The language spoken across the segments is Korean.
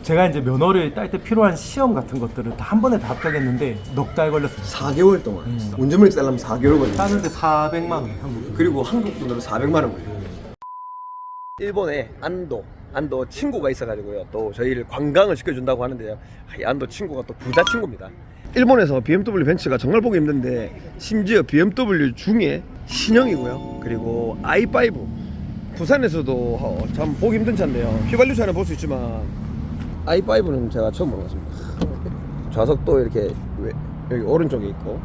제가 이제 면허를 딸 때 필요한 시험 같은 것들을 다 한 번에 다 합격했는데 넉 달 걸렸어요. 4개월 동안 운전면허 따려면 4개월 걸려. 따는데 400만 원 한국. 그리고 한국 돈으로 400만 원 걸려. 일본에 안도 친구가 있어가지고요. 또 저희를 관광을 시켜준다고 하는데요. 이 안도 친구가 또 부자 친구입니다. 일본에서 BMW 벤츠가 정말 보기 힘든데 심지어 BMW 중에 신형이고요. 그리고 i5 부산에서도 참 보기 힘든 차인데요. 휘발유 차는 볼 수 있지만 i5는 제가 처음 보는 것 같습니다. 좌석도 이렇게 여기 오른쪽에 있고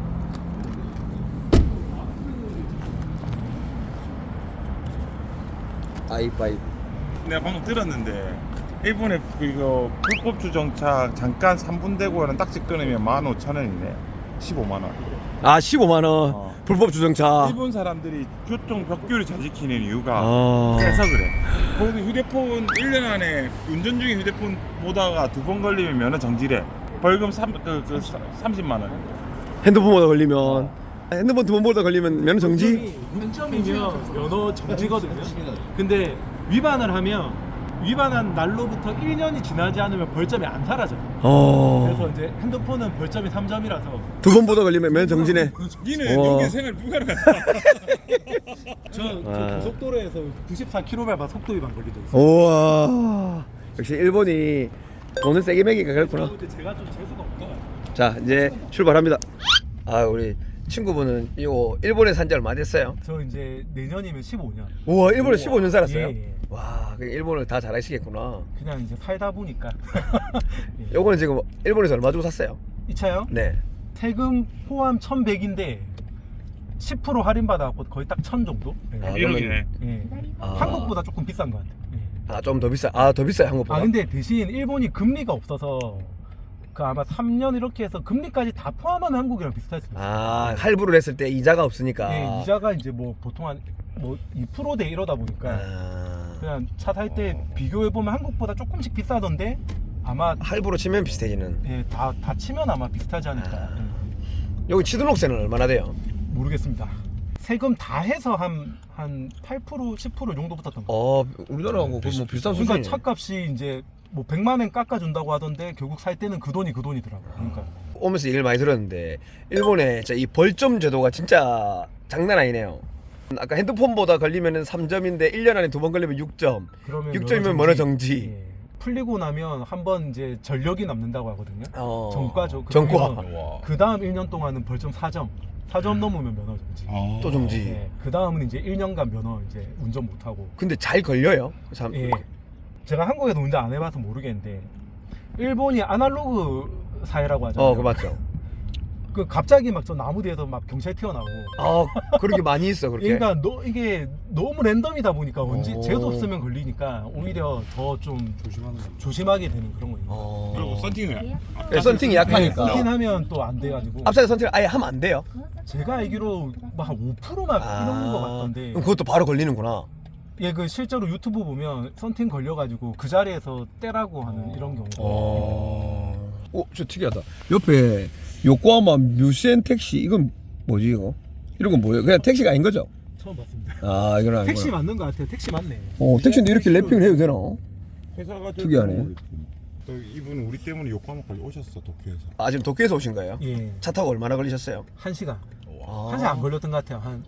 i5 내가 방금 들었는데 일본에 이거 불법 주정차 잠깐 3분 되고 하는 딱지 끊으면 15,000원이네. 15만 원. 아 15만원 불법 주정차. 일본 사람들이 교통 법규를 잘 지키는 이유가 아. 그래서 그래. 거기 휴대폰 1년 안에 운전 중에 휴대폰 보다가 2번 걸리면 면허 정지래. 벌금 30만 원. 핸드폰보다 걸리면 핸드폰 2번보다 걸리면 면허 정지? 만점이면 면허 정지거든요. 근데 위반을 하면 위반한 날로부터 1년이 지나지 않으면 벌점이 안 사라져요. 그래서 이제 핸드폰은 벌점이 3점이라서 2번보다 걸리면 면허 정지네. 니는 와. 여기 생활 불가능하다. 저 고속도로에서 94km/h 속도 위반 걸리죠. 우와 역시 일본이 돈을 세게 매기가 그렇구나. 근데 제가 좀 재수가 없어요. 자 이제 출발합니다. 아 우리 친구분은 이거 일본에 산 지 얼마 됐어요? 저 이제 내년이면 15년. 우와 일본에 15년 살았어요? 예, 예. 와 그냥 일본을 다 잘 아시겠구나. 그냥 이제 살다 보니까. 예. 요거는 지금 일본에서 얼마 주고 샀어요? 이 차요? 네. 세금 포함 1,100인데 10% 할인받아갖고 거의 딱 1,000 정도? 예. 아, 1억이네. 예. 아. 한국보다 조금 비싼 것 같아요. 예. 아 좀 더 비싸. 아 더 비싸요 한국보다. 아 근데 대신 일본이 금리가 없어서 그 아마 3년 이렇게 해서 금리까지 다 포함한 한국이랑 비슷할 수도 있어요. 아 할부를 했을 때 이자가 없으니까. 예, 이자가 이제 뭐 보통 한 뭐 2%대 이러다 보니까 아. 그냥 차 살 때 비교해 보면 한국보다 조금씩 비싸던데 아마 할부로 치면 비슷해지는. 예, 다 치면 아마 비슷하지 않을까. 아. 예. 여기 취등록세는 얼마나 돼요? 모르겠습니다. 세금 다 해서 한 8% 10% 정도 붙었던 거. 우리나라하고 뭐 비슷한 그러니까 수준이네. 차값이 이제 뭐 100만 원 깎아준다고 하던데 결국 살 때는 그 돈이더라고요. 그러니까 오면서 얘기를 많이 들었는데 일본에 진짜 이 벌점 제도가 진짜 장난 아니네요. 아까 핸드폰보다 걸리면 3점인데 1년 안에 2번 걸리면 6점. 그러면 6점이면 면허 정지. 예. 풀리고 나면 한번 이제 전력이 남는다고 하거든요. 어. 전과죠. 전과. 와. 그 다음 1년 동안은 벌점 4점. 4점 넘으면 면허 정지. 또 정지. 예. 그 다음은 이제 1년간 면허 이제 운전 못 하고. 근데 잘 걸려요? 참. 예. 제가 한국에서 운전 안 해봐서 모르겠는데 일본이 아날로그 사회라고 하잖아요. 그거 맞죠. 그 갑자기 막 저 나무 뒤에서 막 경찰 튀어나오고. 그렇게 많이 있어 그렇게. 그러니까 이게 너무 랜덤이다 보니까 언제 오. 재수 없으면 걸리니까 오히려 더 좀 조심하게 되는 그런 거예요. 그리고 썬팅을 네, 썬팅이 약하니까. 하면 또 안 돼가지고. 앞차에 선택을 아예 하면 안 돼요? 제가 알기로 막 한 5%막 이런 거 같던데. 그럼 그것도 바로 걸리는구나. 예, 그 실제로 유튜브 보면 썬팅 걸려가지고 그 자리에서 떼라고 하는 이런 경우. 저 특이하다. 옆에 요코하마 뮤센 택시 이건 뭐지 이거? 이런 건 뭐예요? 그냥 택시가 아닌 거죠? 처음 봤습니다. 아 이건 아니고. 택시 맞는 것 같아요. 택시 맞네. 택시인데 이렇게 랩핑을 해도 되나? 회사가 특이하네. 또 이분은 우리 때문에 요코하마까지 오셨어 도쿄에서. 아 지금 도쿄에서 오신 거예요? 예, 차 타고 얼마나 걸리셨어요? 1시간. 아. 1시간 안 걸렸던 것 같아요. 한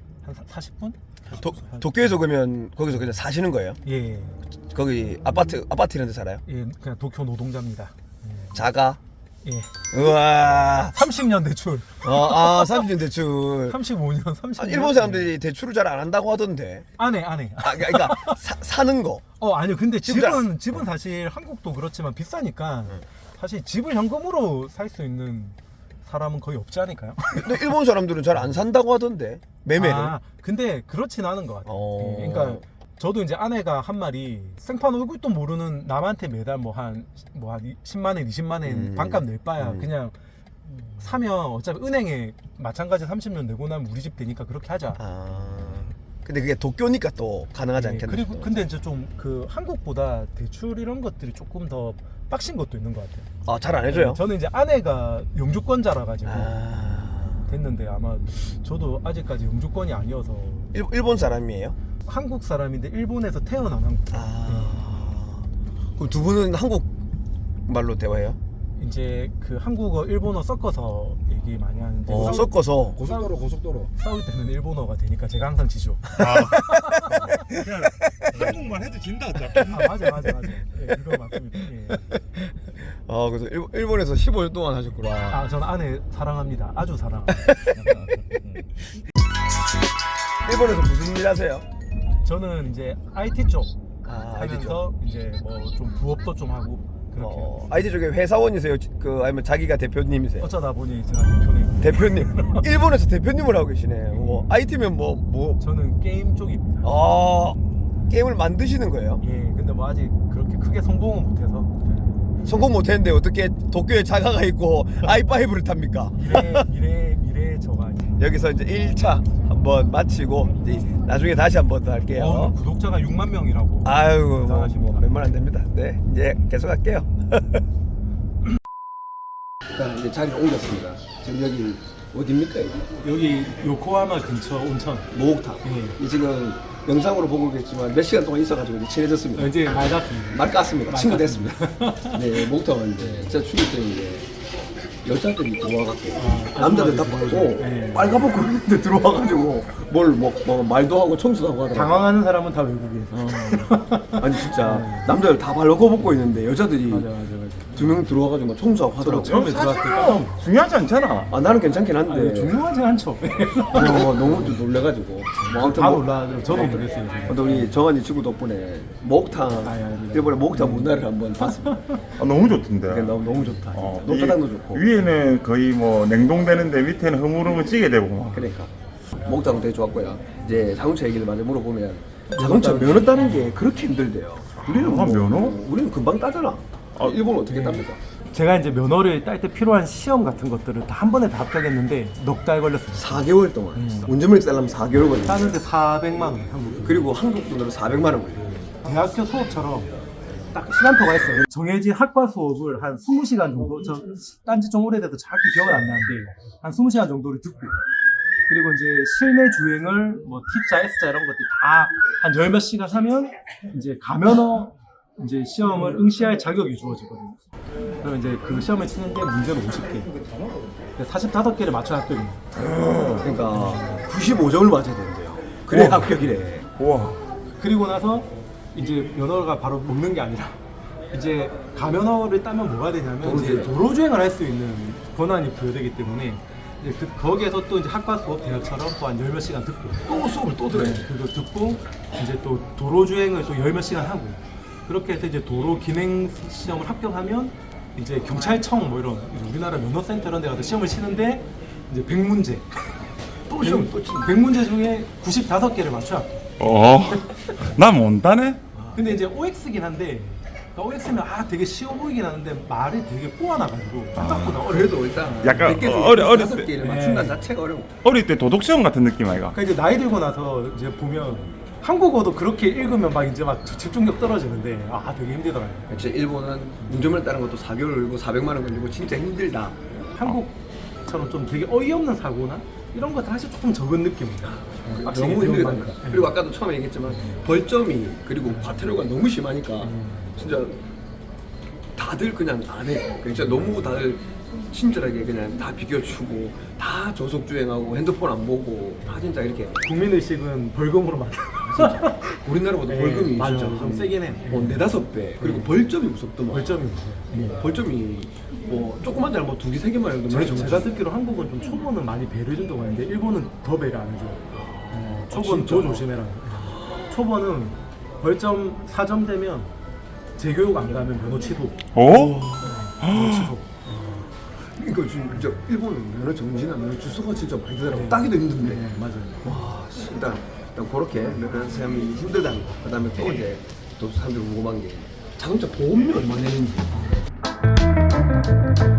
40분? 도쿄에서 그러면 거기서 그냥 사시는 거예요? 예, 거기 아파트 이런 데 살아요? 예, 그냥 도쿄 노동자입니다. 자가? 예, 우와. 30년 대출, 30년 대출. 35년, 30년. 일본 사람들이 대출을 잘 안 한다고 하던데. 안해. 그러니까 사는 거. 아니요. 근데 집은 집은 사실 한국도 그렇지만 비싸니까 사실 집을 현금으로 살 수 있는 사람은 거의 없지 않을까요? 근데 일본 사람들은 잘 안 산다고 하던데. 매매를. 근데 그렇진 않은 것 같아요. 어. 예, 그러니까 저도 이제 아내가 한 말이 생판 얼굴도 모르는 남한테 매달 뭐 한 10만 원, 20만 원 반값 낼 바야 그냥 사면 어차피 은행에 마찬가지 30년 내고 나면 우리 집 되니까 그렇게 하자. 근데 그게 도쿄니까 또 가능하지 예, 않겠나? 그리고 근데 이제 좀 그 한국보다 대출 이런 것들이 조금 더 빡신 것도 있는 것 같아요. 잘 안 해줘요? 저는 이제 아내가 영주권자라 가지고 됐는데 아마 저도 아직까지 영주권이 아니어서 일본 사람이에요? 한국 사람인데 일본에서 태어난 한국. 그럼 두 분은 한국 말로 대화해요? 이제 그 한국어 일본어 섞어서 얘기 많이 하는데 섞어서 고속도로. 싸울 때는 일본어가 되니까 제가 항상 지죠. 그냥 한국말 해도 진다 어차피. 맞아. 예, 이거 맞습니다. 예. 그래서 일본에서 15년 동안 하셨구나. 아 저는 아내 사랑합니다. 아주 사랑합니다. 일본에서 무슨 일 하세요? 저는 이제 IT 쪽 IT 쪽. 하면서 이제 뭐 좀 부업도 좀 하고 그렇게 IT 쪽에 회사원이세요? 아니면 자기가 대표님이세요? 어쩌다 보니 제가 대표님. 대표님. 일본에서 대표님을 하고 계시네. IT면 뭐 저는 게임 쪽입니다. 게임을 만드시는 거예요? 예, 근데 뭐 아직 그렇게 크게 성공은 못해서 성공 못했는데 어떻게 도쿄에 자가가 있고 i5를 탑니까? 미래 저가 여기서 이제 1차 한번 마치고 이제 나중에 다시 한번 더 할게요. 구독자가 6만 명이라고. 아유, 대단하십니다. 몇만 안 됩니다. 네, 이제 계속 할게요. 자, 이제 자리를 옮겼습니다. 지금 여기 어디입니까? 여기 요코하마 근처 온천. 목욕탕. 예. 이 지금 영상으로 보고 계시지만 몇 시간 동안 있어가지고 이제 친해졌습니다. 이제 맑았습니다. 말 깠습니다. 친구 말 됐습니다. 네, 목욕탕은 이제 진짜 충격적인 게 여자들이 들어와갖고 남자들 다 들어와가지고. 보고 네. 빨가벗고 있는데 들어와가지고 뭘 뭐 말도 하고 청소도 하고 하더라고요. 당황하는 사람은 다 외국인. 아니 진짜 남자들 다 발가벗고 있는데 여자들이 맞아. 두 명 들어와가지고 막 청소하고 하더라고요. 처음에 들어왔을 때 깜짝 중요하지 않잖아. 나는 괜찮긴 한데 중요하지 않죠. 너무 좀 놀래가지고 뭐 아무튼 다 뭐- 놀라죠. 저도 놀랐어요. 근데 우리 정한이 친구 덕분에 목욕탕 아닙니다. 일본의 목욕탕 문화를 한번 봤습니다. 너무 좋던데. 그게 너무 좋다. 어, 녹차당도 위- 좋고. 위에는 거의 뭐 냉동되는데 밑에는 흐물흐물 찌게 되고 막. 그러니까 목욕탕은 되게 좋았고요. 이제 자동차 얘기를 많이 물어보면 자동차 면허 따는 게 그렇게 힘들대요. 우리는 면허? 우리는 금방 따잖아. 일본은 어떻게 땁니까? 제가 이제 면허를 딸 때 필요한 시험 같은 것들을 다 한 번에 다 합격했는데 넉 달 걸렸습니다. 4개월 동안 운전면허 따려면 4개월 걸려. 따는데 400만 원 한국. 그리고 한국 돈으로 400만 원 걸려. 대학교 수업처럼 딱 시간표가 있어요. 정해진 학과 수업을 한 20시간 정도, 저 딴지 좀 오래돼서 정확히 기억은 안 나는데 한 20시간 정도를 듣고 그리고 이제 실내 주행을 뭐 T자, S자 이런 것들 다 한 열 몇 시간 하면 이제 가면허 이제 시험을 응시할 자격이 주어지거든요. 그러면 이제 그 시험을 치는데 문제는 50개. 45개를 맞춰야 합격입니다. 그러니까 95점을 맞아야 된대요. 그래 합격이래. 우와. 그리고 나서 이제 면허가 바로 먹는 게 아니라 이제 가면허를 따면 뭐가 되냐면 이제 도로 주행을 할 수 있는 권한이 부여되기 때문에 이제 거기에서 또 이제 학과 수업 대학처럼 또 한 열 몇 시간 듣고 또 수업을 또 들어요. 그거 듣고 이제 또 도로 주행을 또 열 몇 시간 하고 그렇게 해서 이제 도로 기능 시험을 합격하면 이제 경찰청 뭐 이런 우리나라 면허센터 이런 데 가서 시험을 치는데 이제 100문제 또 시험 또 치는. 100문제 중에 95개를 맞춰야 합격. 난 못다네. 근데 이제 OX긴 한데 그러니까 OX면 되게 쉬워 보이긴 하는데 말이 되게 꼬아나가지고 생각보다 어려워. 그래도 일단 약간 몇 개를 어릴 다섯 때- 개를 네. 맞춘다는 자체가 어려워. 어릴 때 도덕 시험 같은 느낌 아이가? 그러니까 이제 나이 들고 나서 이제 보면 한국어도 그렇게 읽으면 막 이제 막 집중력 떨어지는데 되게 힘들더라고요. 역시 일본은 운전면허 따는 것도 4개월 걸리고 400만 원 걸리고 진짜 힘들다. 한국처럼 좀 되게 어이없는 사고나 이런 것들 사실 조금 적은 느낌이다. 확실히 너무 힘들다. 배운 만큼. 그리고 아까도 처음에 얘기했지만 벌점이 그리고 과태료가 너무 심하니까 진짜 다들 그냥 안 해. 진짜 너무 다들 친절하게 그냥 다 비켜주고 다 저속 주행하고 핸드폰 안 보고 다 진짜 이렇게 국민의식은 벌금으로 만들어. 우리나라보다 벌금이 맞아, 진짜 좀 세긴 해. 4-5배 그리고 벌점이 무섭더만. 벌점이 무서워. 벌점이 뭐 조그만 잘못 2개, 3개만 해도 많이 정해져. 제가 듣기로 한국은 좀 초보는 많이 배려해 준다고 하는데 일본은 더 배려 안 해줘. 초보는 진짜? 더 조심해라. 초보는 벌점 4점 되면 재교육 안 가면 면허 취소. 오? 면허 취소. 이거 진짜 일본은 면허 정지나 면허 취소가 진짜 많이 되더라고. 따기도 힘든데. 네, 맞아요. 와, 일단 그렇게 면허 시험이 힘들다는 거. 그다음에 또 이제 또 사람들이 궁금한 게 자동차 보험료 얼마 내는지.